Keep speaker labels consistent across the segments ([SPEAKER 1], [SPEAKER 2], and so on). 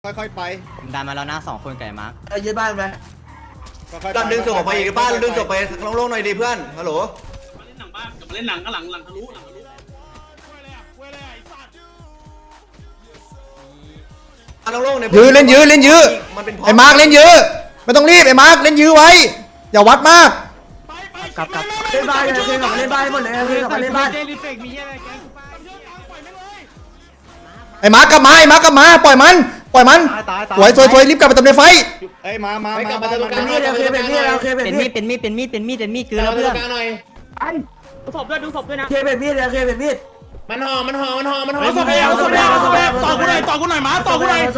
[SPEAKER 1] ค่อยๆไป
[SPEAKER 2] ผมดันมาแล้วนะ2 คนไก่มาร์ค
[SPEAKER 3] ยึดบ้านไหม
[SPEAKER 1] ดันดึงส่งออกไปอีกบ้านดึงส่งไปโล่งๆหน่อยดิเพื่อนฮัลโหล
[SPEAKER 4] เล่นหนังบ้านกับเล่นหนังก็หลังทะลุ
[SPEAKER 1] โล่งๆเนี่ย
[SPEAKER 5] ยื้อเล่นยื้อเล่นยื้อไอ้มาร์กเล่นยื้อไม่ต้องรีบไอ้มาร์กเล่นยื้อไว้อย่าวัดมาก
[SPEAKER 3] กลับเล่นบ้านเลยเล่นบ้านหมดเลยเล่นบ้าน
[SPEAKER 5] ไอ้มาร์กกลับมาไอ้มาร์กกลับมาปล่อยมันสวยรีบกลับไปเติมในไฟ
[SPEAKER 1] เอ้ยมา
[SPEAKER 3] เป็นมีดคือแล้วเพื่อน
[SPEAKER 4] ดูศพด้วยนะ
[SPEAKER 3] เป็นมีด
[SPEAKER 4] มันห่อศพต่อกูหน่อยมาต่อกูหน่อย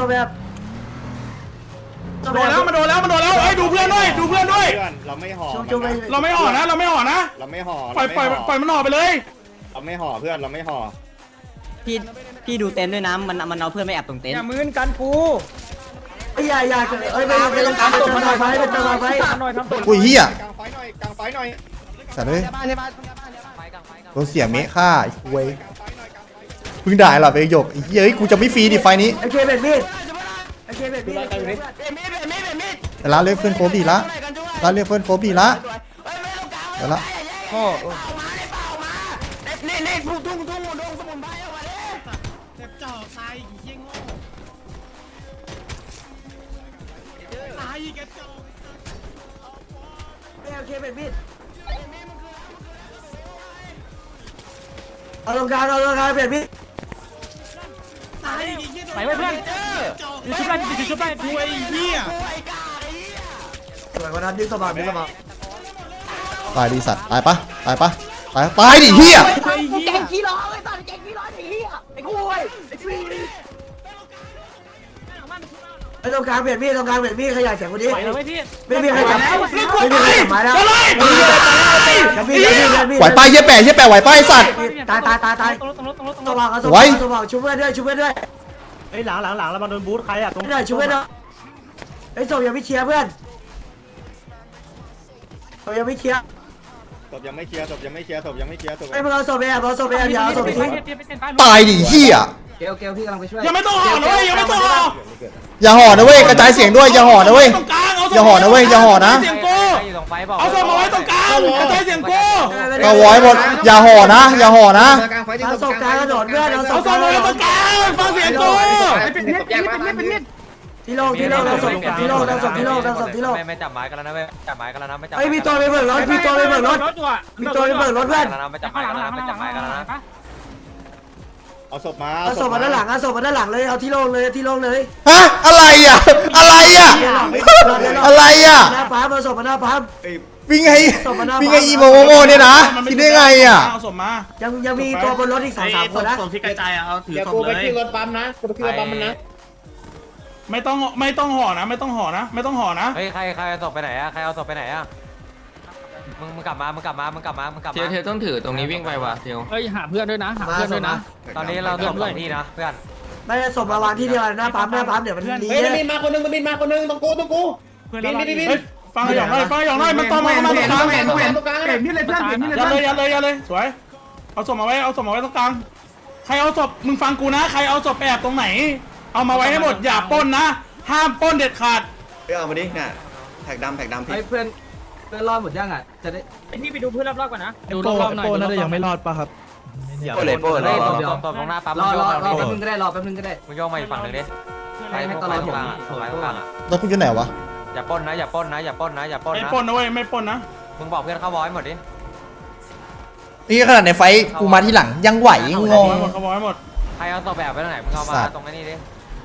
[SPEAKER 4] โดนแล้วไอ้ดูเพื่อนด้วย
[SPEAKER 1] เราไม่ห่อ
[SPEAKER 4] นะปล่อยมันห่อไปเลย
[SPEAKER 1] เราไม่ห่อเพื่อนเราไม่ห่อ
[SPEAKER 2] พี่ดูเต็นท์ด้วยนะมันเอาเพื่อนไม่แอบตรงเต็นท์
[SPEAKER 3] อย่ามืนกันกูอย่าเอ้ยไปลงการเป็นไฟ
[SPEAKER 5] อุ้ยเฮีย
[SPEAKER 1] กลางไฟหน่อย
[SPEAKER 5] สัตว์เลยโดนเสียเมฆฆ่าไอ้คุยพึ่งด่าหรอไปหยกไอ้เหี้ยกูจะไม่ฟรีดิไฟนี้
[SPEAKER 3] ไอ้เคเป็นมีด
[SPEAKER 5] แต่ละเรียกเพื่อนโคบีละเรียกเพื่อนโคบีละเดี๋ยวละ
[SPEAKER 3] นี่ทุ่งสมุนไพรออกมาเลย
[SPEAKER 4] เจ็บจ่อตายเยี่ยงโง่ตายแกจ่อ
[SPEAKER 3] เคเป็นมีดเอาลงการเปลี่ยนมีด
[SPEAKER 4] ไปไว้เพื่อนชุบได้ป่วยเหี้ย
[SPEAKER 3] สวยกว่านั้นดึงสบาย
[SPEAKER 5] ตายดิสัตว์ตายปะตายดิเฮีย
[SPEAKER 3] แกงขี้ร้อนเลยตอนแกงขี้ร้อนไอ้เหี้ยไอ้คุยไอ้ตรงกลางเปลี่ยนมีดขยายเสียงคนนี้ไม่มีใครจับไม้แล้ว
[SPEAKER 5] ไหวป้ายเยี่ยแปะไหวป้ายสัตว์
[SPEAKER 3] ตายสว่างชุบเพื่อนด้วย
[SPEAKER 4] ไอ้หลังแล้วมาโดนบูทใครอ่ะตรง
[SPEAKER 3] ชุบเพื่อนด้วยไอ้ศพยังไม่เคลียร์เพื่อนศพยังไม่เคลียร์ไอ้พวกเราศพไปอย่าเอาศพไปทิ้ง
[SPEAKER 5] ตายดิเฮีย
[SPEAKER 3] เกลพี่กำลังไปช่วย
[SPEAKER 4] ยังไม่ต้องห่อนะเว้ย
[SPEAKER 5] อย่าห่อนะเว้ยกระจายเสียงด้วยอย่าห่อนะเว้ยอย่าห่อนะ
[SPEAKER 4] เอาศพมาไว้ตรงกลางกระจายเสียงกู
[SPEAKER 5] ก็ไว้หมดอย่าห่อนะ
[SPEAKER 3] เอาศพกลางกระโดดเพื่อน
[SPEAKER 4] เอาศพมาไว้ตรงกลางฟังเสียงกู
[SPEAKER 3] ที่โล่เราศพที่โล่
[SPEAKER 6] ไม่จับไม้กันแล้วนะเว้ยจับไม้กันแล้วนะไม่จับ
[SPEAKER 3] ไอ้พี่ตัวไปเบิกรถเพื่อน
[SPEAKER 6] ไม่จับไม้กันแล้วนะ
[SPEAKER 1] เอาศพมา
[SPEAKER 3] ด้านหลังเลยเอาที่โล่งเลย
[SPEAKER 5] ฮะอะไรอ่ะหน้า
[SPEAKER 3] ปั๊มเอาศพมาหน้าปั๊ม
[SPEAKER 5] วิ่งไงอีโมโมเนี่ยนะคิดได้ไงอ่ะ
[SPEAKER 4] เอาศพมา
[SPEAKER 3] ยังมีตัวบนรถอีก2-3 คนนะ
[SPEAKER 4] ศพที่กระจายเอาถือศพเลยไปที่รถปั๊มนะไม่ต้องห่อนะ
[SPEAKER 6] เฮ้ยใครเอาศพไปไหนอะมึงกลับมา
[SPEAKER 7] เทียวต้องถือตรงนี้วิ่งไปว่ะเทียว
[SPEAKER 4] เฮ้ยหาเพื่อนด้วยนะ
[SPEAKER 6] ตอนนี้เราศพ2 ที่นะเพื่อน
[SPEAKER 3] ไม่ได้ศพมาวางที่เดียวหน้าปั๊มเดี๋ยวมัน
[SPEAKER 4] มีบินมาคนนึงต้องกูบินฟังอย่างน้อยมันต่อมาตรงกลางเห็นนี่เลยเพื่อนอย่าเลยสวยเอาศพมาไว้ตรงกลางใครเอาศพมึงฟังกูนะใครเอาศพไปแอบตรงไหนเอามาไว้ให้หมดอย่าปล้นนะห้ามปล้นเด็ดขาด
[SPEAKER 1] เอามาดิเนี่ยแท็กดำ
[SPEAKER 7] เพื่อนรอดหมดยังอ่ะจะได้
[SPEAKER 4] พี่ไปดูเพื่อนรอบๆก่อนนะ
[SPEAKER 7] ดูรอบๆหน่อยน่าจะยังไม่รอดป่ะครับ
[SPEAKER 6] ตรงหน้าปั๊ม
[SPEAKER 7] รอแป๊บนึงก็ได้
[SPEAKER 6] มึงโยกมาอีกฝั่งนึงดิ
[SPEAKER 7] ให้ตลอดผม
[SPEAKER 5] รถกูอยู่ไหนวะ
[SPEAKER 6] อย่าปล้นนะ
[SPEAKER 4] ไม่ปล้นนะเว้ยไม่ปล้นนะ
[SPEAKER 6] มึงบอกเพื่อนเข้าวอยหมดดิ
[SPEAKER 5] นี่ขนาดในไฟกูมาที่หลังยังไหวงง
[SPEAKER 4] เขาวอยหมด
[SPEAKER 6] ใครเอาตัวแบบไปตรงไหนมึงเอามาตรงนี้ดิ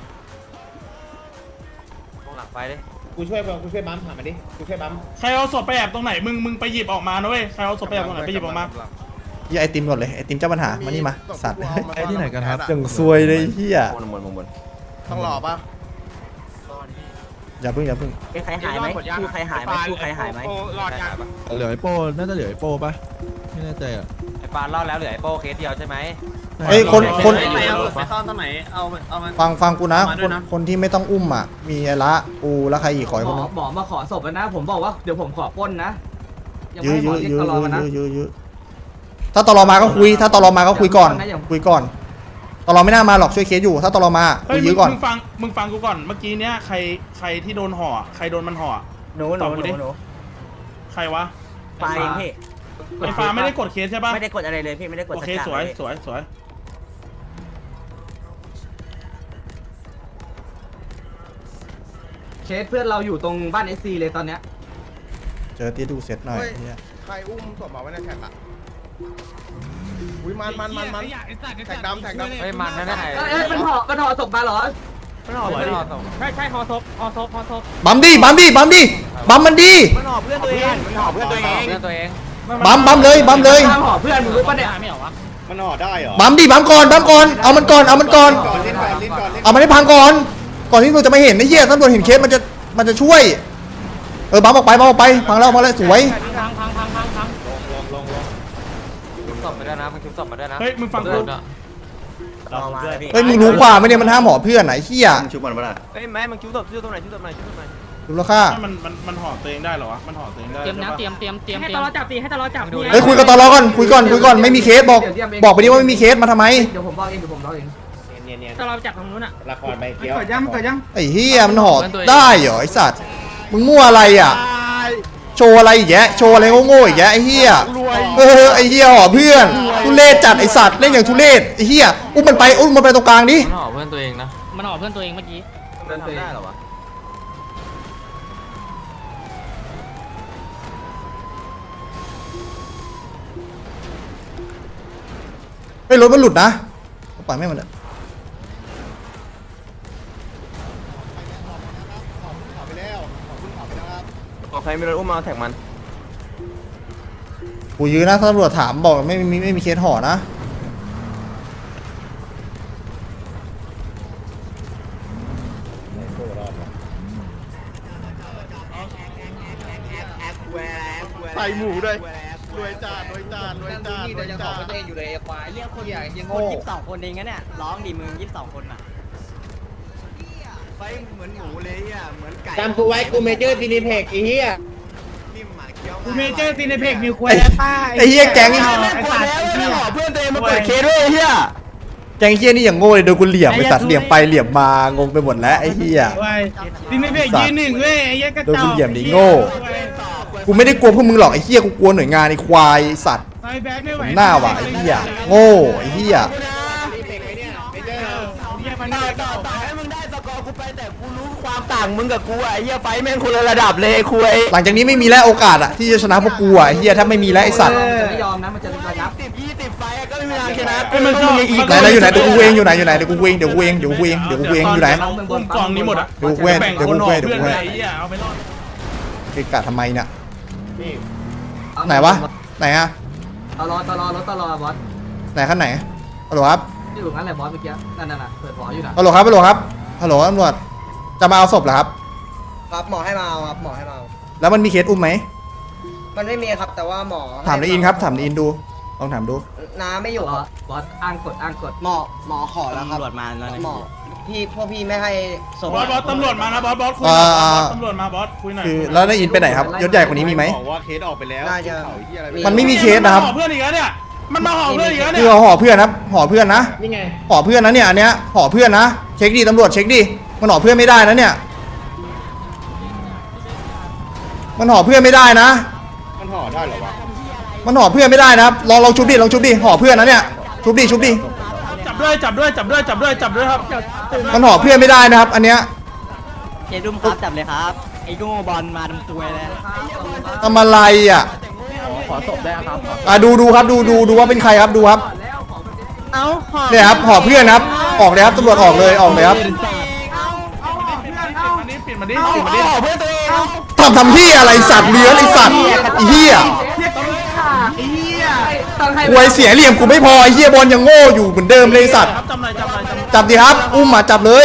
[SPEAKER 6] ตรงหลังไฟดิ
[SPEAKER 4] กูช่วยบัมถามมาดิกูช่วยบัมใครเอาศพไปแอบตรงไหนมึงไปหยิบออกมานะเว้ยใครเอาศพไปแอบตรงไหนไปหยิบออกมา
[SPEAKER 5] ไอติมก่อนเลยไอติมเจ้าปัญหามานี่มาสัตว์
[SPEAKER 7] ไอที่ไหนกันครับ
[SPEAKER 5] อย่างซวยเลยเฮีย
[SPEAKER 1] ต้องหล่อป่ะ
[SPEAKER 5] อย่าเพิ่ง
[SPEAKER 2] ใครหายไหมใครหายไหม
[SPEAKER 7] เหลือไอโป้น่าจะเหลือไอโป้ป่ะไม่แน่ใจอ่ะ
[SPEAKER 6] ไอปานรอดแล้วเหลือไอโป้เคสเดียวใช่ไหม
[SPEAKER 5] เฮ้ยคน
[SPEAKER 4] ไปซ่อนตรงไหนเอา
[SPEAKER 5] ฟังกูนะคนที่ไม่ต้องอุ้มอ่ะมีไอละอูแล้วใครอีกขอคนนึง
[SPEAKER 7] หมอมาขอศพนะผมบอกว่าเดี๋ยวผมขอปล้นนะ
[SPEAKER 5] ยื้อถ้าตลอมาก็คุยก่อนตลอไม่น่ามาหรอกช่วยเคสอยู่ถ้าตลอมา
[SPEAKER 4] เฮ้ย
[SPEAKER 5] ยื้อก่อน
[SPEAKER 4] มึงฟังกูก่อนเมื่อกี้เนี้ยใครที่โดนห่อใครโดนมันห่อ
[SPEAKER 2] หนู
[SPEAKER 4] ใครวะ
[SPEAKER 2] ปลาเองพี่
[SPEAKER 4] ไอ้ฟ้าไม่ได้กดเคสใช่ปะ
[SPEAKER 2] ไม่ได้กดอะไรเลยพี่ไม่ได้กด
[SPEAKER 4] โอเค
[SPEAKER 2] สัก
[SPEAKER 4] ส
[SPEAKER 2] อย่าง
[SPEAKER 4] วย
[SPEAKER 2] เลย
[SPEAKER 4] สวย
[SPEAKER 3] เคสเพื่อนเราอยู่ตรงบ้านเอสซีเลยตอนเนี้ย
[SPEAKER 5] เจอที่ดูเซตหน่อยเหี้ย
[SPEAKER 8] ใครอุ้มศพมาไว้ในแท็กอะอุ้ยมันแท็กดำ
[SPEAKER 6] เฮ้ยมันนั่นไง
[SPEAKER 3] มันห่อศพมาเหรอ
[SPEAKER 6] ไม่ห่อไม่ห่อส่ง
[SPEAKER 5] บัมดิบัมมันดี
[SPEAKER 1] มันหอบเพื่อนตัวเองมันหอบเพื่อนตัวเอง
[SPEAKER 6] เพื่อนตัวเอง
[SPEAKER 5] บัมเลย
[SPEAKER 3] ห่อเพื่อนมึงรู้ปะเนี่ย
[SPEAKER 8] มันห่อได้เหรอ
[SPEAKER 5] บัมก่อนเอามันก่อน
[SPEAKER 8] ก่อนลิ้นก่อน
[SPEAKER 5] เอามันให้พังก่อนที่เราจะไม่เห็นไอ้เหี้ยตำรวจเห็นเคสมันจะช่วยบัมออกไปพังแล้วสวย
[SPEAKER 6] ชุบศพมาด้วยนะมึงชุบศพมาด้วยนะ
[SPEAKER 4] เฮ้ยมึงฟังกู
[SPEAKER 5] เฮ้ยมึงรู้ความไหมเนี่ยมันห้ามหมอเพื่อนไหนเหี้ย
[SPEAKER 1] มึงชุบมันปะล่ะ
[SPEAKER 6] เฮ้ยแม่มึงชุบศพตรงไหน
[SPEAKER 5] ดูแล้วค่า
[SPEAKER 4] มันห่อตัวเองได้เหรอวะมันห่อตัวเองได้
[SPEAKER 9] เตรียมนะเตรียมให้ตลอดจับให้ตลอดจับ
[SPEAKER 5] เฮ้ยคุยกับตลอก่อนคุยก่อนไม่มีเคสบอกไปดิว่าไม่มีเคสมาทำไม
[SPEAKER 3] เดี๋ยวผมบอกเอง
[SPEAKER 9] ตลอดจับตรงนู้นอ่ะ
[SPEAKER 8] ละครใบเกี้ยว
[SPEAKER 5] ไอ้เหี้ยมันห่อได้เหรอไอ้สัตว์มึงมั่วอะไรอ่ะโชว์อะไรอีกแยะโชว์อะไรโง่ๆอีกแยะไอ้เหี้ยไอ้เหี้ยห่อเพื่อนทุเรศจัดไอ้สัตว์เล่นอย่างทุเรศไอ้เหี้ยอุ้มมันไปตรงกลางดิ
[SPEAKER 6] มันห่อเพื่อนตัวเองนะ
[SPEAKER 9] มันออกเพื่อนตัวเองเมื่อกี้
[SPEAKER 6] ทำได้เหรอวะ
[SPEAKER 5] ไม่รถมันหลุดนะปล่อยไม่มันเลย
[SPEAKER 8] ไปแล้วขอบไปแล้วครับ
[SPEAKER 6] ใครไม่รู้อุ้มมาแท็กมัน
[SPEAKER 5] กูยื้อนะถ้าตำรวจถามบอกไม่มีเคสห่อนะ
[SPEAKER 8] ใส่หมูด้วยรวยจาน
[SPEAKER 2] เรียกคน22 คนเองนะเนี่ยร้องดิมึง22 คนอ่ะไฟเหมือนหมูเลยอ่ะเหมือนไก่
[SPEAKER 3] จำกูไว้กูเมเจอร์ซีนิเพกไอ้เหี้ย
[SPEAKER 2] นิ่มหมาเคี้ยว
[SPEAKER 3] กูเมเจอร์ซีนิเพกนิวควาย
[SPEAKER 5] ไอ้เหี้ยแก๊ง
[SPEAKER 1] เพื่อนตัวเองมาเปิดเคสด้วยไอ้เหี้ย
[SPEAKER 5] แก๊งเหี้ยนี่อย่างโง่เลยโดนกูเหลี่ยมไปตัดเหลี่ยมไปเหลี่ยมมางงไปหมดแล้วไอ้เหี้ย
[SPEAKER 3] ซีนิเพกยืนหนึ่งเว้ยไอ้เหี้ยกระ
[SPEAKER 5] โดน
[SPEAKER 3] จอ
[SPEAKER 5] กู
[SPEAKER 3] ก
[SPEAKER 5] เหลี่ยมดิโง่กูไม่ได้กลัวพวกมึงหรอกไอ้เหี้ยกูกลัวหน่วยงานไอ้ควายไอ้สัตว์
[SPEAKER 3] ไอ้แบ็คไม่ไหว
[SPEAKER 5] หน้าว่ะไอ้เหี้ยโง่ไอ้เหี้ย
[SPEAKER 1] ต่อให้มึงได้สกอร์กูไปแต่กูรู้ความต่างมึงกับกูอ่ะไอ้เหี้ยไฟแม่งคนละระดับเลยคุย
[SPEAKER 5] หลังจากนี้ไม่มีแล้วโอกาสอะที่จะชนะพวกกูอะไอ้เหี้ยถ้าไม่มีแล้วไอ้สัตว์
[SPEAKER 3] ไม่ยอมนะมันจะระงับ
[SPEAKER 1] 10-20ไฟก็ไม่มีทางชนะ
[SPEAKER 5] ไหนอยู่ไหนเดี๋ยวกูเองอยู่ไหนเดี๋ยวกูเองอยู่ไหน
[SPEAKER 4] อุ้มกล่องนี้หมดอ่ะ
[SPEAKER 5] เดี๋ยวกูเอง
[SPEAKER 4] แบ่ง
[SPEAKER 5] เดี๋ยว
[SPEAKER 4] คน
[SPEAKER 5] กู
[SPEAKER 4] ห่อ
[SPEAKER 5] เองเดี๋ยว
[SPEAKER 4] เพื่อน
[SPEAKER 5] กูเอง
[SPEAKER 4] ไอ้เหี้ยเอาไปรอด
[SPEAKER 5] เกะกะทำไมเนี่ยไหนวะไหนอะ
[SPEAKER 3] ตลอบอส
[SPEAKER 5] ไหนขั้นไหนฮัลโหลครับ
[SPEAKER 3] ที่อยู่งั้นแหละบอสเมื่อกี้นั่นน่ะเปิดหออยู่นะ
[SPEAKER 5] ฮัลโหลครับฮัลโหลตำรวจจะมาเอาศพเหรอครับ
[SPEAKER 10] ครับหมอให้มาเอาครับหมอให้มาเอา
[SPEAKER 5] แล้วมันมีเคสอุ้มไหม
[SPEAKER 10] มันไม่มีครับแต่ว่าหมอ
[SPEAKER 5] ถามในอินครับถามในอินดูลองถามดู
[SPEAKER 10] น้าไม่อยู่ครับ
[SPEAKER 3] บอสอ้างกด
[SPEAKER 10] หมอขอแล้วครับ
[SPEAKER 2] ตำรวจมาแล้วนะ
[SPEAKER 10] หมอพวกพี่ไม่ให้ส่ง
[SPEAKER 4] บอสตำรวจมานะบอสคุยหน่อยบอสตำรวจมาบอสคุยหน่อย
[SPEAKER 5] คือแล้วในอินไปไหนครับยศใหญ่กว่านี้มีไหม
[SPEAKER 8] บอกว่าเคสออกไปแล้ว
[SPEAKER 10] น่าจะ
[SPEAKER 8] เขาที่อะไร
[SPEAKER 5] มันไม่มีเคสนะครับ
[SPEAKER 4] ห่อเพื่อนอีกแล้วเนี่ยมันมาห่อเพื่อนอีกแล้ว
[SPEAKER 5] คื
[SPEAKER 4] เนี่
[SPEAKER 5] อย ห่อเพื่อนนะห่อเพื่อนนะ
[SPEAKER 3] นี่ไง
[SPEAKER 5] ห่อเพื่อนนะเนี่ยอันเนี้ยห่อเพื่อนนะเช็คดิตำรวจเช็คดิมันห่อเพื่อนไม่ได้นะเนี่ยมันห่อเพื่อนไม่ได้นะ
[SPEAKER 8] มันห่อได้เหรอวะ
[SPEAKER 5] มันห่อเพื่อนไม่ได้นะครับลองชุบดิห่อเพื่อนนะเนี่ยชุบดิ
[SPEAKER 4] จับด้วยครับ
[SPEAKER 5] มันห่อเพื่อนไม่ได้นะครับ อันเนี้ย
[SPEAKER 2] เจดุมครับจับเลยครับไอ้โง่บอลมาทำตัวเลย
[SPEAKER 5] ทำอะไรอ่ะ
[SPEAKER 2] ขอศพได้ครับ
[SPEAKER 5] ดูครับดูว่าเป็นใครครับดูครับ
[SPEAKER 2] เอ้า
[SPEAKER 5] เนี่ยครับห่อเพื่อนครับออกเลยครับตำรวจออกเลยครับ
[SPEAKER 4] ปิดมันดิ
[SPEAKER 1] เพื่อนตัวเอง
[SPEAKER 5] ทำที่อะไรสัตว์เลื้อนไอสัตว์ไอเหี้ยควยเสียเหลี่ยมกูไม่พอไอเหี้ยบอลยังโง่อยู่เหมือนเดิมเลยไอ้สัตว์
[SPEAKER 4] ครับจำหน่อย
[SPEAKER 5] จับดิครับอุ้มมาจับเลย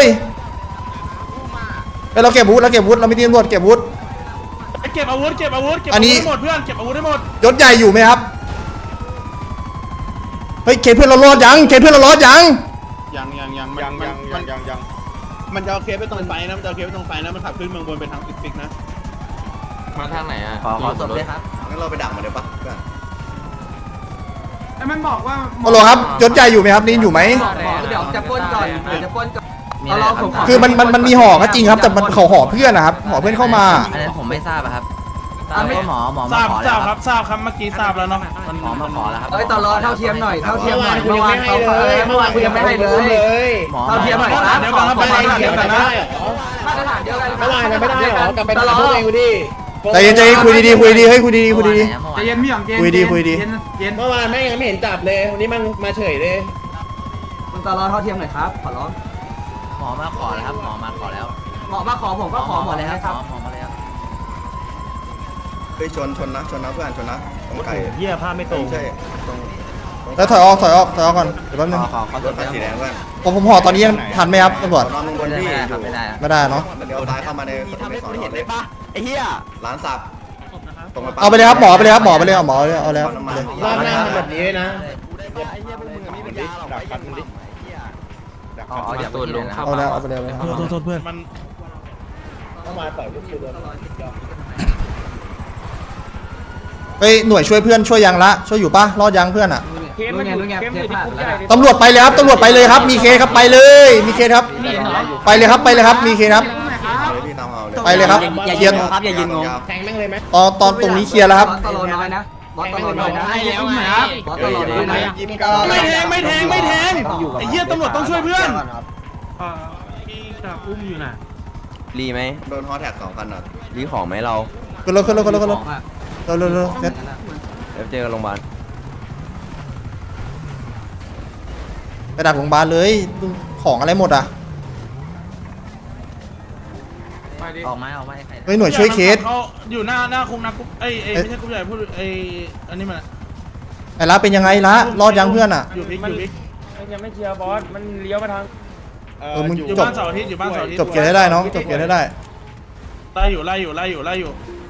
[SPEAKER 5] เอ้ยเราเก็บอาวุธเราไม่ตีตำรวจเก็บอาวุธ
[SPEAKER 4] เก็บอาวุธ
[SPEAKER 5] อันนี้
[SPEAKER 4] ให้หมดเพื่อนเก็บอาวุธให้หมด
[SPEAKER 5] ยศใหญ่อยู่ไหมครับเฮ้ยเคสเพื่อนเรารอดยัง
[SPEAKER 8] ยังมันจะเอาเคสไปตรงไฟนะมันจะเอาเคสไปตรงไฟนะมันขับขึ้นเมืองบนไปทางฟิกนะ
[SPEAKER 6] มาทางไหนอ่ะ
[SPEAKER 2] ขอศพเลยครับ
[SPEAKER 1] งั้นเราไปดักมันเลยปะเพื่อน
[SPEAKER 4] มันบอกว่า
[SPEAKER 5] ฮัลโหลครับยศใหญ่อยู่ไหมครับนี่อยู่ไหม
[SPEAKER 2] เดี๋ยวจะป้นก่อนเดี๋ยวจะป้นก่อน
[SPEAKER 5] คือมันมีห่อก็จริงครับแต่มันเขาห่อเพื่อนนะครับห่อเพื่อนเข้ามา
[SPEAKER 2] อันนั้นผมไม่ทราบครับหมอ
[SPEAKER 4] ท
[SPEAKER 2] มา
[SPEAKER 4] ราบ
[SPEAKER 2] ขอ
[SPEAKER 4] ท
[SPEAKER 2] แล้
[SPEAKER 4] ราว บ
[SPEAKER 2] ค
[SPEAKER 4] ค
[SPEAKER 2] รั
[SPEAKER 4] รั
[SPEAKER 2] บบ
[SPEAKER 4] ทราบครับเมื่อกี้ทราบแล้วเนาะ
[SPEAKER 2] หมอมาขอแล้วครับ
[SPEAKER 3] เฮ้ยตลอดเท่าเทียมหน่อยเท่าเทียมหน่อยเมื่อวานเขาเมื่อวานกูยังไม่ให้เลย
[SPEAKER 2] หมอ
[SPEAKER 3] เท่าเทียมหน่อยครับ
[SPEAKER 4] เดี๋ยวก่อนครับไปเดี๋ยวก่อนนะ
[SPEAKER 3] มาตรฐานเดียวกัน
[SPEAKER 8] เมื่อวานมันไม่ได้หรอกลับไปถามพวกเองดิ
[SPEAKER 5] ใจเย็นคุยดีๆคุยดีๆเฮ้ยคุยดีๆคุยดี
[SPEAKER 4] ใจเย็นพี่หยองเย็น
[SPEAKER 5] คุยดีคุยดี
[SPEAKER 4] เย็น
[SPEAKER 8] เมื่อวานแม่งยังไม่เห็นจับเลยวันนี้มันมาเฉยเลย
[SPEAKER 3] คุณตลอดเท่าเทียมหน่อยครับขอร้อง
[SPEAKER 2] หมอมาขอแล้วครับหมอมาขอแล้ว
[SPEAKER 3] หมอมาขอผมก็ขอหมดเลยครับ
[SPEAKER 2] หมอมาแล้ว
[SPEAKER 8] ไปชนนะเพื่อนชนนะตรงไก่
[SPEAKER 4] เหี้ยผ้าไม่ตรง
[SPEAKER 8] ใช่ตรง
[SPEAKER 5] ๆแล้วถอยออกก่อนเดี๋ยวแป๊บนึง
[SPEAKER 8] รถไฟสีแดงเพื่อน
[SPEAKER 5] ผมห่อตอนนี้ยังทันไหมครับตำรวจ
[SPEAKER 8] นอนบนที่อยู่
[SPEAKER 2] ไม่ได้
[SPEAKER 5] ไม่ได้เนาะ
[SPEAKER 8] เดี๋ยวซ้ายเข้ามาใน
[SPEAKER 1] ทำให้
[SPEAKER 8] ส
[SPEAKER 1] ค
[SPEAKER 8] อน น
[SPEAKER 1] เห็น
[SPEAKER 8] เล
[SPEAKER 1] เลย ยปะไอ้เหี้ย
[SPEAKER 8] ร้านสับตรงไป
[SPEAKER 5] เอาไปเลยครับหมอไปเลยครับหมอไปเลยเอาหมอเลยเอาแล้วเอาเลย
[SPEAKER 8] รอบหน้าทำแบบนี้ด้วยนะ
[SPEAKER 1] ไอ้เหี้ยพวกมึงมีปัญญาหรอกไอ้เหี้ย
[SPEAKER 2] อ๋อเดี๋ยวตัวลง
[SPEAKER 5] เอาแล้วเอาไปเลยเอาไปเลย
[SPEAKER 7] โทษเพื่อน
[SPEAKER 4] มัน
[SPEAKER 8] เข้ามาต่อยลูกคิวโดน
[SPEAKER 5] เฮ้ยหน่วยช่วยเพื่อนช่วยยังละช่วยอยู่ปะรอดยังเพื่อนอ่ะ
[SPEAKER 9] เข้มมันอยู่เข้มอยู่ที่คุกใหญ่
[SPEAKER 5] ตำรวจไปเลยครับตำรวจไปเลยครับมีเคสครับไปเลยมีเคสครับ
[SPEAKER 9] นี่เหรอ
[SPEAKER 5] ไปเลยครับไปเลยครับมีเคสครับ
[SPEAKER 8] พี่ตามเอาเลย
[SPEAKER 5] ไปเลยครับ
[SPEAKER 2] อย่า
[SPEAKER 5] เคลี
[SPEAKER 2] ยื
[SPEAKER 5] ย
[SPEAKER 2] น
[SPEAKER 5] ร์
[SPEAKER 2] งงครับอย่ายืนงง
[SPEAKER 8] แทงแม่งเลยไหม
[SPEAKER 5] ตอนตรงนี้เคลียร์แล้วครับ
[SPEAKER 3] ตลอดน้อยนะบอสตลอดน้อยนะ
[SPEAKER 9] ให้แล้วไง
[SPEAKER 3] บอสตลอดน้อยนะ
[SPEAKER 4] ไม่แทงไอ้เหี้ยตำรวจต้องช่วยเพื่อน
[SPEAKER 9] อุ้มอยู่น่ะ
[SPEAKER 6] รีไหม
[SPEAKER 8] โดนฮอแท็ก2 คันอ่ะ
[SPEAKER 6] รีของไหมเรา
[SPEAKER 5] ขึ้นรถเร็วเซ็ต
[SPEAKER 6] เดี๋ยวเจอกันโรงพยาบาล
[SPEAKER 5] ไปดักโรงพยาบาลเลยของอะไรหมดอ่ะ
[SPEAKER 2] ออกมาใคร
[SPEAKER 5] เฮ้ยหน่วยช่วยเคส
[SPEAKER 4] เขาอยู่หน้าคุกนะคุกไม่ใช่คุกใหญ่พูดอันนี้มัน
[SPEAKER 5] ไอ้ละเป็นยังไงละรอดยังเพื่อนอ่ะ
[SPEAKER 4] อยู่พิก
[SPEAKER 9] ยังไม่เคลียร์บอสมันเลี้ยวมาทาง
[SPEAKER 5] มึง
[SPEAKER 4] อยู่บ้านเสาร์อาทิตย์อยู่บ้านเสาร์อาทิตย์
[SPEAKER 5] จบเกมให้ได้น้องจบเกมให้ได้
[SPEAKER 4] ไล่อยู่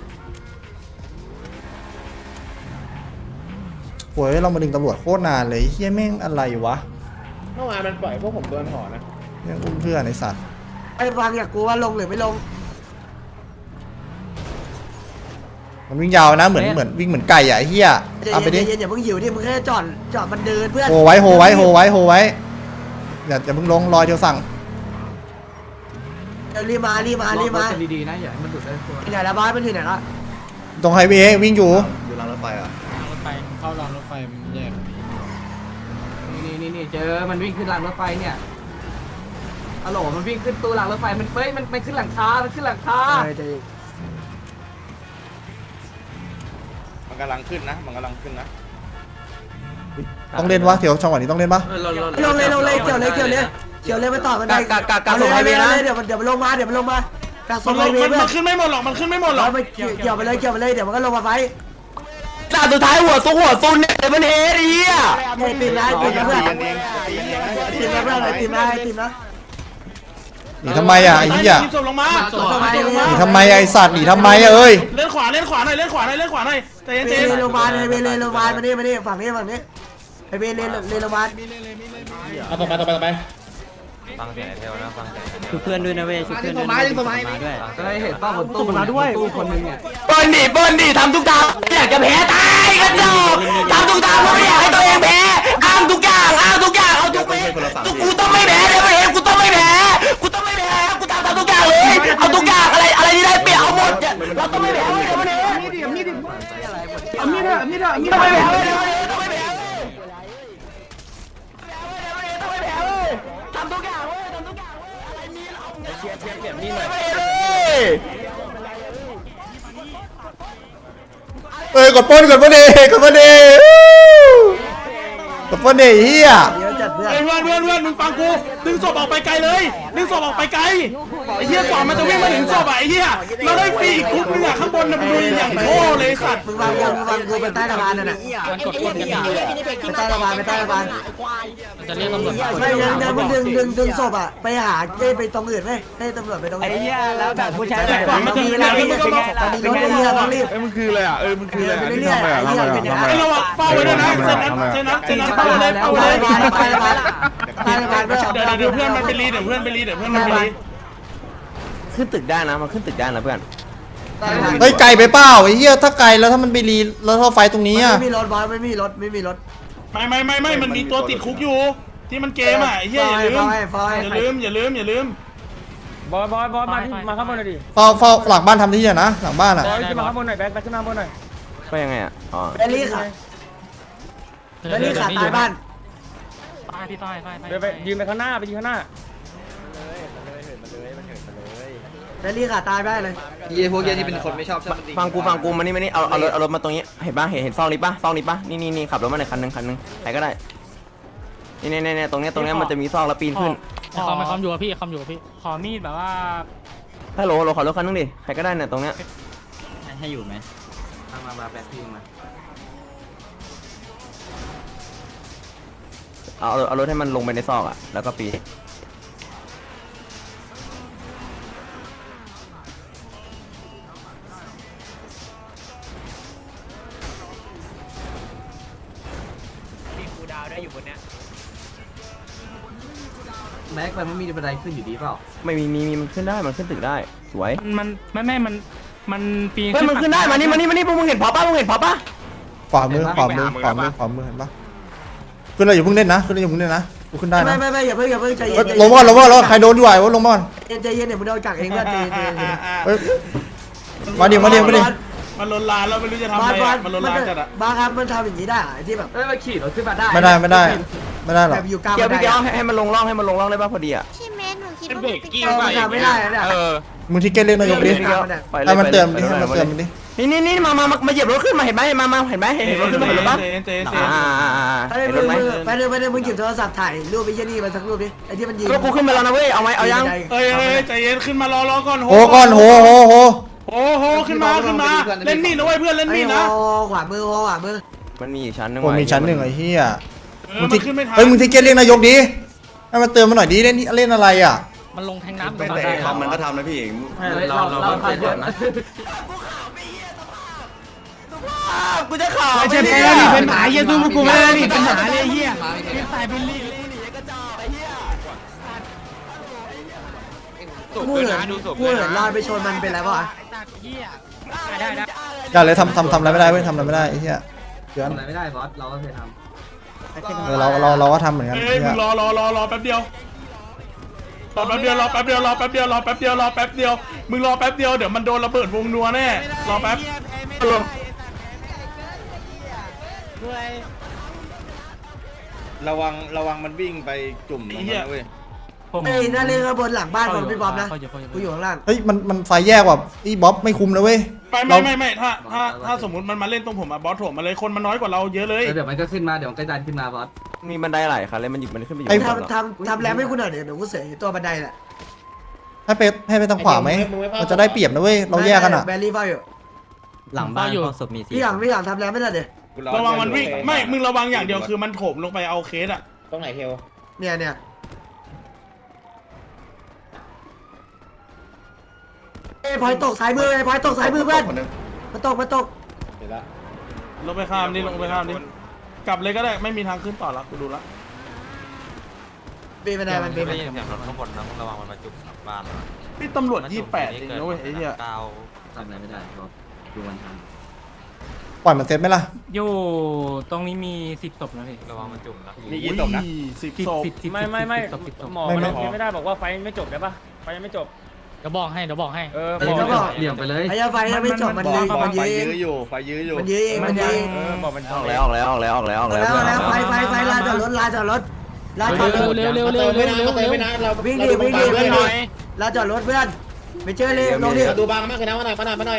[SPEAKER 5] โว้ยเรามาดึงตำรวจโคตรนานเลยเฮียแม่งอะไรวะ
[SPEAKER 8] เมื่อวานมันปล่อยพวกผมโดนห่อนะ
[SPEAKER 5] แม่งอุ้มเพื่อนไอ้สัตว์
[SPEAKER 3] ไอ้ฟังอยากกูว่าลงหรือไม่ลง
[SPEAKER 5] มันวิ่งยาวนะเหมือนวิ่งเหมือนไก่อะไอ้เฮียตามไปดิ
[SPEAKER 3] เย็นอย่าเพิ่งหิวดิมึงแค่จอดมันเดินเพื่อน
[SPEAKER 5] โหไว้อย่าเพิ่งลงรอยเดียวสั่ง
[SPEAKER 3] รีมาดีๆนะอย่าให้มันดุได้ตัวไหนละบอสมันอยู่ไหนละ
[SPEAKER 5] ตรงไฮเวย์วิ่งอยู่
[SPEAKER 8] อยู่รางรถไฟอ่ะ
[SPEAKER 9] รถไฟเข้ารางรถไฟมันแยก
[SPEAKER 3] นี่เจอมันวิ่งขึ้นรางรถไฟเนี่ยฮัลโหลมันวิ่งขึ้นตู้รางรถไฟมันขึ้นหลังคามันขึ้นหลังคา
[SPEAKER 8] มันกำลังขึ้นนะ
[SPEAKER 5] ต้องเล่นวะเดี๋ยวจังหวะนี้ต้องเล่นปะ
[SPEAKER 3] ลงเลยเกี่ยวเลยไปต่อกันได้เดี๋ยวมันลงมากักส่งไฮเวย์
[SPEAKER 4] มันขึ้นไม่หมดหรอกมันขึ้นไม่หมดหรอก
[SPEAKER 3] เกี่ยวไปเลยเดี๋ยวมันก็ลงมาไฟ
[SPEAKER 1] ด่าสุดท้ายหัวซุนเนี่ยมันเฮดไอ้เหี้ย
[SPEAKER 3] ตีนะเพื่อนตีนะ
[SPEAKER 5] หนีทำไมอะไอ้เหี้ย
[SPEAKER 4] ศพลงมา
[SPEAKER 5] หนีทำไมไอ้สัตว์หนีทำไมอะเอ้ย
[SPEAKER 4] เล่นขวาหน่อยใจเย็น
[SPEAKER 3] โรงพยาบาลมานี่ฝั่งนี้ไฮเวย์โรงพยาบาล
[SPEAKER 8] เอาต่อไป
[SPEAKER 6] ฟังเสียงไอ้เทลนะฟังเสียงไอ้เทล
[SPEAKER 2] ชุบเพื่อนด้วยนะเว้ยชุบเพื่อนด้วยมาด้วย
[SPEAKER 3] ก็เห็นป้าบนตู้มาด้วยคนนึงเนี่ย
[SPEAKER 1] เปิ้ลดิทำทุกทางอยากจะแพ้ตายกันจบทำทุกทางเพราะไม่อยากให้ตัวเองแพ้อ้างทุกอย่างเอาทุกกูต้องไม่แพ้เลยเองกูต้องไม่แพ้กูทำทุกอย่างเลยเอาทุกอย่างอะไรที่ได้เปรียบเอาหมดเราต้องไม่แพ้เลยมันเองต้องไม่แพ้ทำทุกอย่างอะไรมีเราเชียร์แบบนี้หน่อย
[SPEAKER 5] เอ้ยกดป้นดิกดป้นดิเฮีย
[SPEAKER 3] เยอะจัดเพื่อน
[SPEAKER 4] เพื่อนมึงฟังกูดึงศพออกไปไกลเลยดึงศพออกไปไกลไอ้เหี้ยก่อนมันจะวิ่งมาถึงศพไอ้เหี้ยเราได้ฟรีอีกคุกนึงข้างบนนะมึงดูอย่างโง่เลยสัตว์
[SPEAKER 3] มึงวางกูไปใต้สะพานนั่นน่ะ
[SPEAKER 9] มันกดกดกันอยู่
[SPEAKER 3] ไปใต้สะพาน
[SPEAKER 9] มันจะเรียกตำรวจมา
[SPEAKER 3] ไม่ยังมึงดึงศพอ่ะไปหาไปตรงอื่นไหมให้ตำรวจไปตรงอื่น
[SPEAKER 2] ไอ้เหี้ยแล้วแบบผู้ชายแบบ
[SPEAKER 3] มันมีเวลาไม่ยังมีรถไม่เยอะต้องรีบ
[SPEAKER 7] มันคืออะไรอ่ะมันคืออะไร
[SPEAKER 3] ไปเรื่อยๆ
[SPEAKER 4] ไอ้เราเฝ้าไว้ด้วยนะเซนนั้นเฝ้าเลย เดี๋ยวเพื่อนมันไปรี
[SPEAKER 6] ขึ้นตึกได้นะมันขึ้นตึกได้นะเพื่อน
[SPEAKER 5] เฮ้ยไกลไปเปล่าไอ้เหี้ยถ้าไกลแล้วถ้ามันไปรีแล้วถ้าไฟตรงนี้อะ
[SPEAKER 3] ไม่มีรถบอสไม่มีรถ
[SPEAKER 4] ไม่มันมีตัวติดคุกอยู่ที่มันเกมอ่ะไอ้เหี้ยอย่าลืม
[SPEAKER 9] บอสมาข้างบนหน่อยดิ
[SPEAKER 5] เฝ้าหลังบ้านทำที่นะหลังบ้านอ่ะ
[SPEAKER 9] บอสขึ้นมาข้างบนหน่อยแบ็คขึ้นมาข้างบนหน่อย
[SPEAKER 6] ก็ยังไงอ่ะอ๋อ
[SPEAKER 3] แบลลี่ค่ะแบลลี่ขาตายบ้าน
[SPEAKER 9] ไปยืนไปข้างหน้าไปยืนข้างหน้า
[SPEAKER 3] แบลลี่ขาตายได้เลย
[SPEAKER 2] ยี่พวกยี่ที่เป็นคนไม่ชอบ
[SPEAKER 6] ฟังกูมานี่เอารถมาตรงนี้เห็นปะเห็นซองนี้ปะนี่ขับรถมาหน่อยคันนึงใครก็ได้นี่ตรงเนี้ยมันจะมีซองแล้วปีนขึ้น
[SPEAKER 9] คอมอยู่กับพี่ขอมีดแบบว่า
[SPEAKER 6] ฮัลโหลขอรถคันนึงดิใครก็ได้เนี่ยตรงเนี้ย
[SPEAKER 2] ให้อยู่ไหม
[SPEAKER 10] มาแบกพี่มา
[SPEAKER 6] เอารถให้มันลงไปในซอกอ่ะแล้วก็ปีน
[SPEAKER 10] แม็กมันไม่มีบันไดขึ้นอยู่ดีเปล่า
[SPEAKER 6] ไม่มีมันขึ้นได้มันขึ้นตึกได้สวย
[SPEAKER 9] มันปีน
[SPEAKER 6] เฮ้ยมันขึ้นได้มานี่พวกมึงเห็นพอปะ
[SPEAKER 5] ขวามือเห็นปะขึ้นเลยอย่าเพิ่งเล่นนะกูขึ้นได้นะ
[SPEAKER 3] ไม่อย่าเพิ่งใจเย็น
[SPEAKER 5] ลงก่อนใครโดนด้วยวะลงก่อน
[SPEAKER 3] ใจเย็นเนี่ยมึงโดนกักเองเพื่อนใจเย็น
[SPEAKER 5] มาดิ
[SPEAKER 4] มันลนลานแล้วไม่รู้จะทำอะไรมันลนลานจัดอ่ะ
[SPEAKER 3] บ้าครับมันทำอย่างนี้ได้ที่แบบ
[SPEAKER 10] มาขี่รถขึ้นมาได้
[SPEAKER 5] ไม่ได้หร
[SPEAKER 3] แบ
[SPEAKER 5] อก
[SPEAKER 3] บอยู่กลาง
[SPEAKER 6] เดี๋ยว
[SPEAKER 3] บัน
[SPEAKER 6] พี่
[SPEAKER 3] ได
[SPEAKER 6] เดี๋ยวให้มันลงร่องได้ป่ะพอดีอ่ะ
[SPEAKER 11] พี่เมธหนูคิดว่า
[SPEAKER 9] เบรกกิ้ง
[SPEAKER 3] มันทำไม่ได้เนี่ย
[SPEAKER 5] มึงที่เกตเรียกนายกดิให้มันเตือนดิ
[SPEAKER 6] นี่มาเหยียบรถขึ้นมาเห็นไหมเห็นรถขึ้นมาเห็นปะ
[SPEAKER 3] ไปเลยมึงหยิบโทรศัพท์ถ่ายรูปไอ้ยี่นี่มาสักรูปดิไอ้ที่มันยิง
[SPEAKER 6] ก็กูขึ้นมาแล้วนะเว้ยเอาไหมเอายัง
[SPEAKER 4] เฮ้ยใจเย็นขึ้นมารอก่อน
[SPEAKER 5] โห
[SPEAKER 4] ขึ้นมาเล่นมีดนะเว้ยเพื่อนเล่นมีดนะ
[SPEAKER 3] ขวามือ
[SPEAKER 6] มันมีอีกชั้นนึง
[SPEAKER 5] ผมมีชั้นหนึ่งไอ้เหี้ย
[SPEAKER 4] มันขึ้นไม่ทัน
[SPEAKER 5] เฮ้ยมึงที่เกตเรียกนายกดิให้มันเตือนมาหน่อยดิเล่นอะไรอ่ะ
[SPEAKER 9] มันลงแทงน้ำ
[SPEAKER 8] ไม่แต่คำมันก็ทำนะพี่เอง
[SPEAKER 10] เราใครเยอะนะ
[SPEAKER 6] กูจะข่าว
[SPEAKER 9] ไม่ใช่แพ้นี่เป็นหมาเยซูกูไม่ได้นี่เป็นหมาเลยเฮีย
[SPEAKER 3] พูดเหรอลอยไปชนมันเป็นไรวะ
[SPEAKER 9] ได้
[SPEAKER 5] อย่าเลยทำอะไรไม่ได้เว้ยทำอะไรไม่ได้ไอ้เหี้ยเดือน
[SPEAKER 10] ทำอะไรไม่ได้บอสเราก็เคยท
[SPEAKER 5] เราก็ทำเหมือนกัน
[SPEAKER 4] เอ้ยมึงรอแป๊บเดียวมึงรอแป๊บเดียวเดี๋ยวมันโดนระเบิดวงนัวแน่รอแป๊บ
[SPEAKER 8] ระวังมันวิ่งไปจุ่มตรงนั้นเว้ย
[SPEAKER 3] ไอ้นั่นเล่นบนหลังบ้านของพี่บอมนะกูอยู่ข้างล่าง
[SPEAKER 5] เฮ้ยมันไฟแยกว่ะไอ้บ๊อบไม่คุมเลยเว้ย
[SPEAKER 4] ไม่ถ้าสมมติมันมาเล่นตรงผมอะบอสโถมมาเลยคนมันน้อยกว่าเราเยอะเลย
[SPEAKER 10] ำเดี๋ยวมันก็ขึ้นมาเดี๋ยวมันก็ดันขึ้นมาบอส
[SPEAKER 6] มีบันไดหลายคันเลยมันหยิบมันขึ้นไปอยู่
[SPEAKER 3] ทำแรมให้กูหน่อยเดี๋ยวกูเสียตัวบันไดแหละ
[SPEAKER 5] ให้ไปทางขวาไหมมันจะได้เปรียบนะเว้ยเราแยกกันอ่ะ
[SPEAKER 3] แบลลี่เฝ้าอยู่
[SPEAKER 2] หลังบ้านศพมี4
[SPEAKER 3] พี่หลังทำแรมไม่ได้เดี๋ยว
[SPEAKER 4] ระวังมันวิ่งไม่มึงระวังอย่างเดียวคือมันโถมลงไปเอาเคสอะ
[SPEAKER 8] ตรงไหนเทล
[SPEAKER 3] เนี่ยไอ้พลอยตกสายมือเพื่อนมาตก
[SPEAKER 8] เดี๋ยวละ
[SPEAKER 4] ลงไปข้ามดิกลับเลยก็ได้ไม่มีทางขึ้นต่อละกูดูละ
[SPEAKER 3] ปีนบันไดมันปีน
[SPEAKER 6] ได้ยินเสียงรถข้างบนนะระวังมันมาจุกบ้าน
[SPEAKER 4] นี่ตำรวจ28เองนะเว้ยไอ้เหี้ย
[SPEAKER 10] ทำอะไรไม่ได้บอสดูมันท
[SPEAKER 5] ปล่อยมันเซตไหมล่ะ
[SPEAKER 9] อยู่ตรงนี้มี10ศพนะพี่
[SPEAKER 6] ระวังมันจุ่มนะ
[SPEAKER 8] มีกี่ศพนะ
[SPEAKER 4] 10 ศพ
[SPEAKER 9] ไม่หมอไม่ได้บอกว่าไฟไม่จบได้ปะไฟยังไม่จบเดี๋ยวบอกให้
[SPEAKER 10] ำเดี่ยงไปเลย
[SPEAKER 3] ไอ้ไฟไม่จบมันยื้อ
[SPEAKER 8] ไฟยื้ออยู่
[SPEAKER 3] มันยื้อเองมันยื้อเอง
[SPEAKER 9] บอกมัน
[SPEAKER 6] ออกแล้ว
[SPEAKER 3] ไฟลาจอดรถลาจอดรถ
[SPEAKER 9] เร็ว
[SPEAKER 3] วิ่งดิลาจอดรถเพื่อนไปเจอเลยลงดิ
[SPEAKER 8] ดูบางมากเลยนะมาหน่อย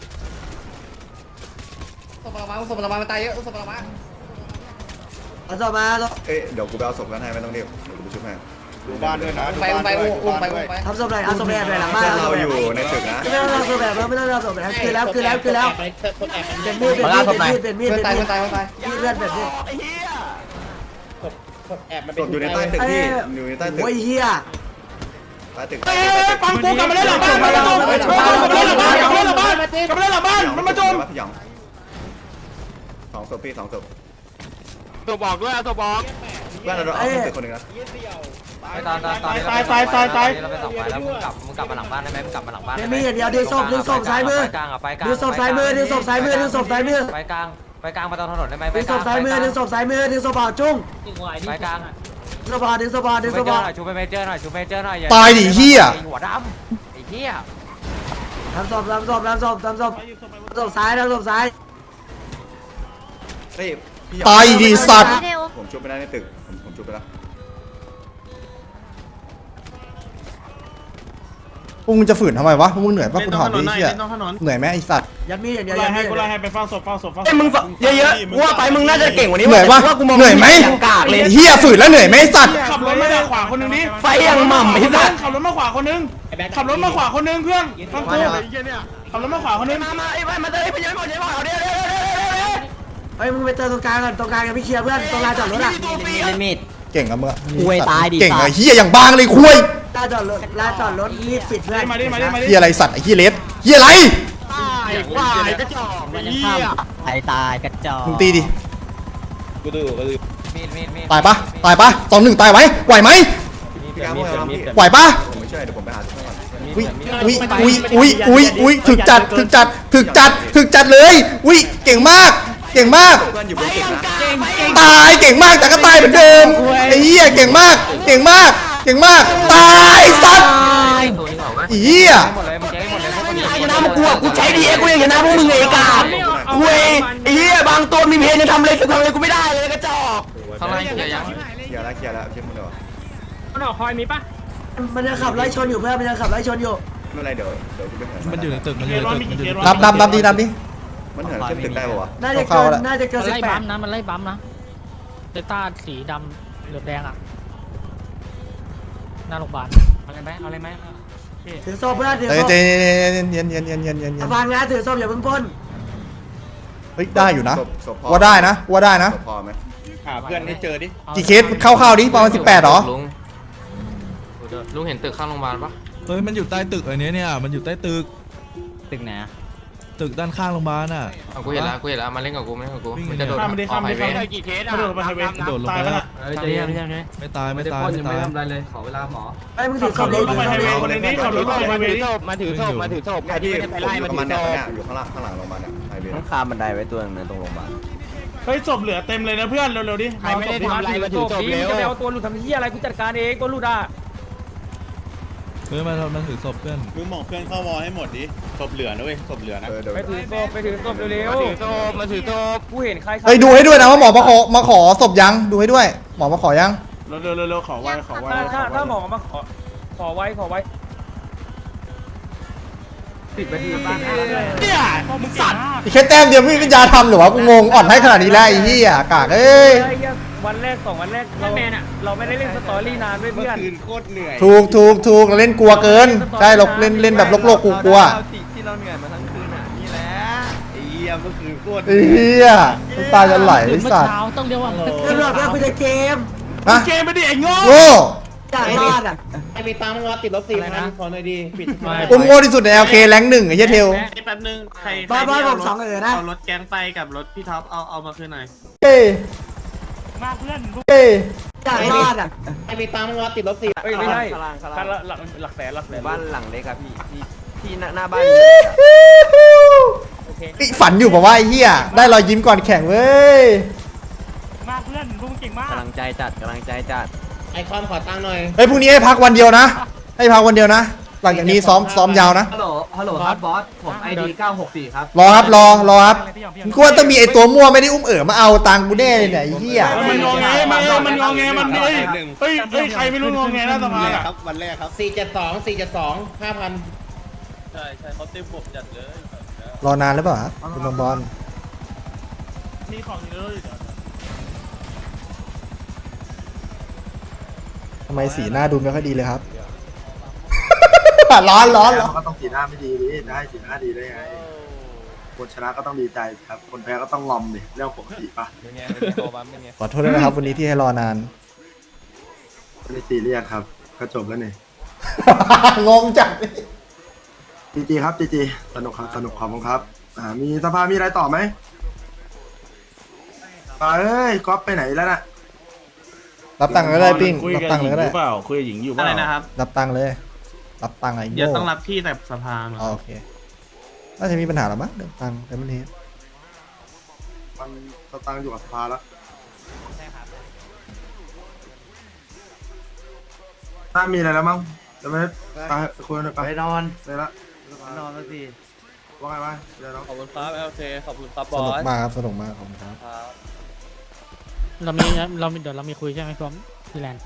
[SPEAKER 8] ศพเรามามันตายเยอะศพเรามา
[SPEAKER 3] เอาศพมา
[SPEAKER 8] เอ๊ะเดี๋ยวกูไปเอาศพนั้นให้ไม่ต้องเรียกเดี๋ยวกูไปช่วยแม่ดูบ้านด้วยนะไปอุ้มไป
[SPEAKER 3] ทำศพไหนเอาศพแบบหลังบ้าน
[SPEAKER 8] เราอยู่ในตึกนะ
[SPEAKER 3] ไม่ต้องเอาศพแบบไม่ต้องเอาศพแบบคือแล้วเป็นมีดเลือดแบบนี้
[SPEAKER 8] ศพอยู่ในใต้ตึกพี่อยู่ในใต้ตึก
[SPEAKER 3] โอ้ยเฮีย
[SPEAKER 8] ใต้ตึก
[SPEAKER 4] ฟังกูกลับมาเล่นหลังบ้านมันมาจม
[SPEAKER 8] พี่หยอง2 ศพพี่2 ศพ
[SPEAKER 6] ตัวบอกด้วยตัวบอก
[SPEAKER 8] เพื่อนเราเอาตึกคนหนึ่งนะ
[SPEAKER 6] ตายเราไปส่งไปแล้วมึงกลับมาหลังบ้านได้ไหมมึงกลับมาหลังบ้าน
[SPEAKER 3] มีอย่างเดียวดึงศพซ้ายมือดึงศพซ้ายมือ
[SPEAKER 6] ไปกลาง
[SPEAKER 2] ไปกลางมาตรงถนนได้ไหม
[SPEAKER 3] ดึงศพซ้ายมือดึงศพซ้ายมือดึงศพเปล่าจุ้ง
[SPEAKER 2] ไปกลาง
[SPEAKER 3] ดึงศพเปล่าดึงศพเปล่าดึงศพเปล่า
[SPEAKER 2] ชูไปเมเจอร์หน่อยชูเมเจอร์หน่อย
[SPEAKER 5] ตายดิเฮีย
[SPEAKER 2] หัวดำไอ้เหี้ย
[SPEAKER 3] ทำศพทำศพทำศพทำศพศพซ้ายทำศพซ้าย
[SPEAKER 8] เฮ้ยพี่
[SPEAKER 5] ตายดิสัตว์
[SPEAKER 8] ผมชุบไปได้ในตึกผมชุบไปแล้ว
[SPEAKER 5] พวกมึงจะฝืนทำไมวะพวกมึงเหนื่อยปะกูถามดิเฮียเหนื่อยไหมไอ้สัตว์
[SPEAKER 3] ยัดมีดอย่างเดียว
[SPEAKER 4] ไล่
[SPEAKER 3] ยัดมี
[SPEAKER 4] ให้
[SPEAKER 3] ด
[SPEAKER 4] กูไล่ให้ไปฟังศพฟังศพฟังศ
[SPEAKER 6] ไอ้
[SPEAKER 4] พ
[SPEAKER 6] มึงเยอะๆว่าไปมึงน่าจะเก่งกว่านี้
[SPEAKER 5] เหนื่อยปะ
[SPEAKER 6] ว่ากูมอง
[SPEAKER 5] เหนื่อยไหม
[SPEAKER 6] อย่างกากเลย
[SPEAKER 5] เฮียฝืนแล้วเหนื่อยไหมไอ้สัตว์
[SPEAKER 4] ขับรถมาขวาคนนึงดิ
[SPEAKER 6] ไฟยังหม่ำไอ้สัส
[SPEAKER 4] ขับรถมาขวาคนนึงขับรถมาขวาคนนึงเพื่อนฟังกูขับรถมาขวาคนนึง
[SPEAKER 6] มาไอ้ไปมาเตยไปยังไม่หมดยังไม่หมดเดี๋ยว
[SPEAKER 3] เฮ้ยมึงไปเจอตรงกลางก่อนตรงกลางกับพี่เคลียร์เพื่อนตรงลานจอดรถอ่ะ
[SPEAKER 2] เล่นมีด
[SPEAKER 5] เก่งกับมึงอะ
[SPEAKER 2] คุยตายดิ
[SPEAKER 5] เก่ง
[SPEAKER 2] สั
[SPEAKER 5] อะ
[SPEAKER 2] ตว์
[SPEAKER 5] เฮียอย่างบางเลยคุย
[SPEAKER 3] ลานจอดรถลานจอดรถมีดปิดเพื่อน
[SPEAKER 4] มาดิมาดิมาดิ
[SPEAKER 5] เฮียอะไรสัตว์ไอ้เฮียเลสเฮียอะไร
[SPEAKER 2] มันยังข้ามตายกระจอก
[SPEAKER 5] มึงตีดิ
[SPEAKER 2] มีด
[SPEAKER 5] ตายปะตายปะ2-1ตายไหมไหวไหม
[SPEAKER 8] พี่ก้าวพูดอะไรพี่
[SPEAKER 5] ไหวปะ
[SPEAKER 8] ผมไม่เชื่อเดี๋ยวผมไปหาทุกคน
[SPEAKER 5] อุ้ยถึกจัดเลยอุ้ยเก่งมากเก่งมาก
[SPEAKER 8] เพื่อนอยู่บนตึกนะ
[SPEAKER 5] ตายเก่งมากแต่ก็ตายเหมือนเดิมไอ้เหี้ยเก่งมากตายสัตว์ไอ้เหี้ย
[SPEAKER 2] หมดเลยมึงเจ๊หมดเลยพวกมึง
[SPEAKER 6] ชนะมึงกูใช้ดีกูยังชนะพวกมึงไอ้กากกูไอ้เหี้ยบางตัวมีเพนยังทำอะไรกูไม่ได้เลยกระจอก
[SPEAKER 2] ข้างล่างเกียร์ยัง
[SPEAKER 8] เคลียร์แล้วเชื่อมึงเดี๋ยว
[SPEAKER 9] มันออกคอยมีปะ
[SPEAKER 3] มันจะขับไล่ชนอยู่เพื่อนมันจะขับไล่ชนอยู่
[SPEAKER 8] ไม่เป็นไรเดี๋ยวกูไปหา
[SPEAKER 7] มันอยู่ในตึกมันอยู่ในตึกมันอยู่ในตึก
[SPEAKER 5] นับดิ
[SPEAKER 8] มันเหินขึ้นตึกได้ป่าวะ
[SPEAKER 3] น่าจะ
[SPEAKER 5] เข้า
[SPEAKER 3] เกิน
[SPEAKER 5] แล้ว
[SPEAKER 3] น่าจะเกิน
[SPEAKER 9] มันไล่บัม
[SPEAKER 3] 18
[SPEAKER 9] นะมันไล่บัมนะเดต้าสีดำเหลือบแดงอ่ะหน้าโรงพยาบาลเอาเลยไหม
[SPEAKER 3] ถือโซ่เพื่อนถือ
[SPEAKER 5] เฮ้ย
[SPEAKER 3] โซ่
[SPEAKER 5] เย็น
[SPEAKER 3] ฟังนะถือโซ่อย่าเพิ่งพ่น
[SPEAKER 5] เฮ้ยได้อยู่นะ
[SPEAKER 8] ศพพอ
[SPEAKER 5] ว่าได้นะ
[SPEAKER 8] ศพพอไหม
[SPEAKER 4] หาเพื่อนให้เจอดิ
[SPEAKER 5] กี่เคสเข้าดิประมาณ18หรอ
[SPEAKER 2] ลุงเห็นตึกข้างโรงพยาบาลปะ
[SPEAKER 7] เฮ้ยมันอยู่ใต้ตึกอันนี้เนี่ยมันอยู่ใต้ตึก
[SPEAKER 2] ตึกไหน
[SPEAKER 7] ตึกด้านข้างโรงพยาบาลน่ะ
[SPEAKER 2] กูเห็นแล้วมาเล่นกับกูมันจะโดด
[SPEAKER 4] ข้ามไปดิข้ามไปดิข้ามไป
[SPEAKER 9] กี่เคส
[SPEAKER 4] กระโดดลงไปไฮเวย์
[SPEAKER 7] กระโดดลง
[SPEAKER 4] ตาย
[SPEAKER 7] ไป
[SPEAKER 4] แล้ว
[SPEAKER 7] แล้ว
[SPEAKER 4] น่ะ
[SPEAKER 10] ใจเย็น
[SPEAKER 7] ไม่ตายไม่ตาย
[SPEAKER 10] ยัง
[SPEAKER 7] ไม่
[SPEAKER 10] ไม่
[SPEAKER 7] ตาย
[SPEAKER 10] ทำอะไรเลยขอเวลาหมอ
[SPEAKER 3] ไอ้มึงถือโซ่
[SPEAKER 4] ขับรถลงไปไฮเวย์คนนึงดิขับรถลงไปไฮเวย์ดิ
[SPEAKER 9] มาถือศพใครที่ไม่ได้ไปไล่มาถือศ
[SPEAKER 8] เนี่ย
[SPEAKER 9] พ
[SPEAKER 8] อยู่ข้างหลังโรงพยาบาลเนี่ยไฮเวย์
[SPEAKER 6] ต้องคาบันไดไว้ตัวนึงตรงโรงพยาบาล
[SPEAKER 4] เฮ้ยศพเหลือเต็มเลยนะเพื่อนเร็วๆดิ
[SPEAKER 9] ใครไม่ได้ทำอะไรมาถือศพเร็วจะไปเอาตัวหลุดทำที่อะไรกูจัดการเองตัวหลุดอ่ะ
[SPEAKER 7] เฮ้ยมันถือศพเพื่อน
[SPEAKER 4] มึงมองเพื่อนเข้าวอลให้หมดดิศพเหลือนะเว้ยศพเหลือนะ
[SPEAKER 8] เดี๋ยว
[SPEAKER 9] ไปถือศพเร็วมาถือศพกูเห็นใคร
[SPEAKER 5] เฮ้ยดูให้ด้วยนะว่าหมอมาขอศพยังดูให้ด้วยหมอมาขอยัง
[SPEAKER 4] เร็วขอไว้
[SPEAKER 9] ถ้าหมอมาขอไว้
[SPEAKER 10] 10 นาทีบ้าง
[SPEAKER 4] เนี่ยมึงสัตว์
[SPEAKER 5] แค่แต้มเดียวไม่มีปัญญาทำหรือวะกูงงอ่อนให้ขนาดนี้แล้วไอ้เหี้ยกากเอ้ย
[SPEAKER 9] วันแรก2 วันแรกเราไม่ได้เล่นสตอรี่นานด้วยเพื่อน
[SPEAKER 8] โคตรเหนื่อย
[SPEAKER 5] ถูกเราเล่นกลัวเกินใช่เราเล่นแบบโลกกูกลัว
[SPEAKER 6] ที่เราเหนื่อยมาทั้งคืนอ่ะนี่แหละ
[SPEAKER 8] ไอ้เหี้ยเมื่อคืนโคตร
[SPEAKER 5] ไอ้เหี้ยน้ำตาจะไหลไอ้สัตว์
[SPEAKER 9] ต้องเรียกว่า
[SPEAKER 3] ตำรวจเพื่อนกูจะเกม
[SPEAKER 5] ฮะ
[SPEAKER 4] เกมไปดิไอ้โง่
[SPEAKER 5] โง่
[SPEAKER 3] จากรอดอ่ะ
[SPEAKER 9] ไอ้มีตังค์รอติดลบ4,000ขอหน่อยดีปิด
[SPEAKER 5] อุ้มโง่ที่สุดใน LK แรง1ไอ้เหี้ยเทล
[SPEAKER 9] แป๊บนึงใคร
[SPEAKER 3] บ้าผม2นะ
[SPEAKER 9] เอารถแก๊งไปกับรถพี่ท็อปเอามาคืนหน่อย
[SPEAKER 5] เอ้ย
[SPEAKER 9] มาเพื่อน
[SPEAKER 5] เอ้ย
[SPEAKER 3] จากรอดอ่ะ
[SPEAKER 9] ไอ้มีตังค์รอติดลบ4เอ้ยไม่ใช่คันละหลักแสน
[SPEAKER 6] บ้านหลังเล็กครับพี่หน้าบ้าน
[SPEAKER 9] โอเค
[SPEAKER 5] ฝันอยู่ป่าวว่าไอ้เหี้ยได้รอยยิ้มก่อนแข่งเว้ย
[SPEAKER 9] มาเพื่อนพวกมึงเก่งมาก
[SPEAKER 6] กำลังใจจัด
[SPEAKER 9] ไอคอนขอตังค์หน่อย
[SPEAKER 5] เฮ้ยพรุ่งนี้ให้พักวันเดียวนะให้พักวันเดียวนะ หลังจากนี้ซ้อมยาวนะ
[SPEAKER 10] ฮัลโหลครับบอสผม ID 964ครับ
[SPEAKER 5] รอครับรอครับกูว่าต้องมีไอ้ตัวมั่วไม่ได้อุ้มมาเอาตังค์กูแน่เลยเนี่ยไอ้เหี้ย
[SPEAKER 4] มันงอแงมันเฮ้ยใครไม่รู้งอแงหน้าสภาอ่ะ
[SPEAKER 8] ครับวันแรกครับ
[SPEAKER 9] 472 5,000
[SPEAKER 2] ใช่เขาเต็มผมจัดเลย
[SPEAKER 5] รอนานหรือเปล่าครับคุณบอล
[SPEAKER 4] มีของเยอะอยู่
[SPEAKER 5] ทำไมสีหน้าดูไม่ค่อยดีเลยครับ ร้อน
[SPEAKER 3] ก็ต้องสีหน้าไม่ดีดิได้สีหน้าดีได้ไงคนชนะก็ต้องดีใจครับคนแพ้ก็ต้องงอมดิเรื่องปกติป่ะ
[SPEAKER 5] ขอโทษด้วยนะครับวันนี้ที่ให้รอนาน
[SPEAKER 3] ไม่ซีเรียสครับก็จบแล้วนี่
[SPEAKER 5] งงจัด
[SPEAKER 3] จีครับจีสนุกครับสนุกขอบคุณครับมีสภามีอะไรต่อไหมเอ้ยก๊อฟไปไหนแล้วน่ะ
[SPEAKER 5] รับตังค์ก็ได้ปิ้ง
[SPEAKER 4] คุย
[SPEAKER 5] รับ
[SPEAKER 4] กับ
[SPEAKER 5] ตังค์
[SPEAKER 4] หญิ
[SPEAKER 5] เลย
[SPEAKER 4] ง
[SPEAKER 5] ก็
[SPEAKER 4] อ
[SPEAKER 5] ได้
[SPEAKER 4] ยู่เปล่าคุยกับหญิงอยู่เป
[SPEAKER 9] อะไร
[SPEAKER 4] ล่า
[SPEAKER 9] นะครับ
[SPEAKER 5] รับตังค์เลย รับตังค์ไอ้โง่
[SPEAKER 9] เดี๋ยวต้องรับพี่แต่สภา
[SPEAKER 5] อ๋อโอเคน่าจะมีปัญหาหรอมั้งเรื่องตังค์แต่ไม่เห็น
[SPEAKER 3] ไป
[SPEAKER 8] ตังอยู่กับสภาแล้ว
[SPEAKER 3] ถ้ามีอะไรแล้วมั้งจะไม่ไปคุยกันไป
[SPEAKER 2] ไปนอน
[SPEAKER 3] เลยละ
[SPEAKER 2] นอนสักที
[SPEAKER 3] ว่าไงวะเดี๋ยวน้อง
[SPEAKER 4] ขอบคุณครับโอเคขอบคุณครับ
[SPEAKER 5] ส
[SPEAKER 4] บอ
[SPEAKER 5] นุก
[SPEAKER 4] ส
[SPEAKER 5] มากครับสนุกมากขอบคุณครับ
[SPEAKER 9] เรามีเดี๋ยวเรามีคุยใช่ไหมพร้อมพี่แลนด์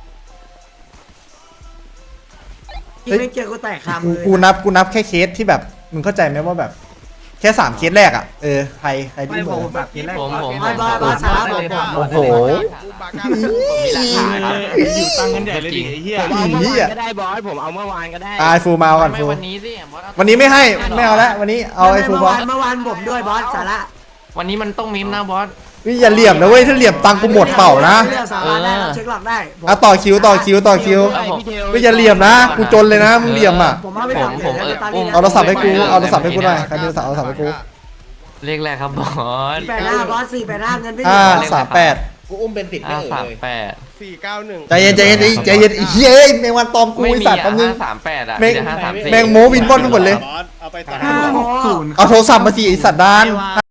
[SPEAKER 3] ที่ไม่เจอกูแตกคำเลย
[SPEAKER 5] กูนับแค่เคสที่แบบมึงเข้าใจไหมว่าแบบแค่3เคสแรกอ่ะใครที่
[SPEAKER 10] ไม่
[SPEAKER 5] เบ
[SPEAKER 10] ผ
[SPEAKER 5] อ
[SPEAKER 10] ม
[SPEAKER 5] ร์
[SPEAKER 10] แบบกินแรก
[SPEAKER 2] ผม
[SPEAKER 3] บอสช้าผม
[SPEAKER 5] โอ้โห
[SPEAKER 4] อยู่ตังกันใหญ่เลยดิไอ้เหี้ย
[SPEAKER 5] เหี้ย
[SPEAKER 6] ก็ได้บอสผมเอาเมื่อวานก็ได้
[SPEAKER 5] ไอฟูมาก่อนฟู
[SPEAKER 2] วันนี้สิบอส
[SPEAKER 5] วันนี้ไม่ให้ไม่เอาแล้ววันนี้เอาไอฟู
[SPEAKER 3] เมื่อบ
[SPEAKER 5] อ
[SPEAKER 3] วา
[SPEAKER 5] ส
[SPEAKER 3] นเมื่อวานผมด้วยบอสสาระ
[SPEAKER 2] วันนี้มันต้องมิมนะบอส
[SPEAKER 5] นี่อย่าเหลี่ยมนะเว้ยถ้าเหลี่ยมตังค์กูหมดเปล่านะ
[SPEAKER 3] เรื่องสาระได้เช็คหลักได้
[SPEAKER 5] อ่ะต่อคิวไม่อย่าเหลี่ยมนะกูจนเลยนะมึงเหลี่ยมอ่ะ
[SPEAKER 3] ผมเอาไปทำ
[SPEAKER 5] เอาโทรศัพท์ให้กูเอาโทรศัพท์ให้กูหน่อยใครมีโทรศัพท์เอาโทรศัพท์ให้กู
[SPEAKER 2] เลขแรกครับบอส
[SPEAKER 3] 485บอส485เงินไม่เหลือ
[SPEAKER 5] 38
[SPEAKER 8] กูอุ้มเป็นติดไม่เอ่ยเลย
[SPEAKER 2] 38
[SPEAKER 8] 491
[SPEAKER 5] ใจเย็นไอ้เหี้ยเอ้ยแมงวันตอมกูไอ้สัตว์แป๊บนึง
[SPEAKER 2] 38อ่ะ
[SPEAKER 5] แม่ง
[SPEAKER 2] 534
[SPEAKER 5] แมงโมวินบอลไปหมดเลย
[SPEAKER 8] เอาไปต่อ
[SPEAKER 3] 5
[SPEAKER 5] เอาโทรศัพท์มาสิไอ้สัตว์ดาน